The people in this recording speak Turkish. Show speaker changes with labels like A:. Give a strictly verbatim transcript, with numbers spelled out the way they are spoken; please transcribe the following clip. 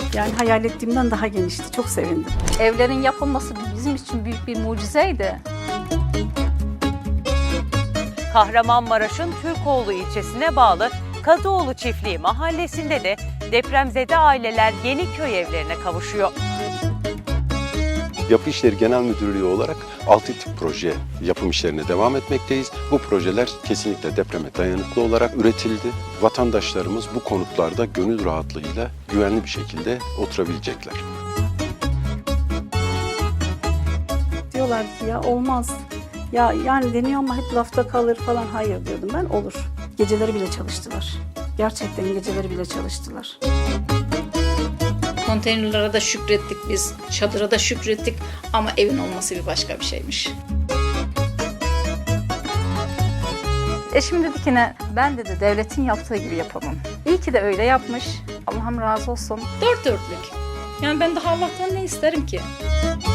A: Yani hayal ettiğimden daha genişti. Çok sevindim.
B: Evlerin yapılması bizim için büyük bir mucizeydi.
C: Kahramanmaraş'ın Türkoğlu ilçesine bağlı Kadıoğlu Çiftliği mahallesinde de depremzede aileler yeni köy evlerine kavuşuyor.
D: Yapı İşleri Genel Müdürlüğü olarak altı tip proje yapım işlerine devam etmekteyiz. Bu projeler kesinlikle depreme dayanıklı olarak üretildi. Vatandaşlarımız bu konutlarda gönül rahatlığıyla güvenli bir şekilde oturabilecekler.
A: Diyorlar ki ya olmaz. Ya yani deniyor ama hep lafta kalır falan. Hayır diyordum ben, olur. Geceleri bile çalıştılar. Gerçekten geceleri bile çalıştılar.
E: Konteynerlara da şükrettik biz, çadıra da şükrettik ama evin olması bir başka bir şeymiş.
B: Eşim dedi ki ne, ben dedi devletin yaptığı gibi yapamam. İyi ki de öyle yapmış. Allah'ım razı olsun.
E: Dört dörtlük. Yani ben daha Allah'tan ne isterim ki?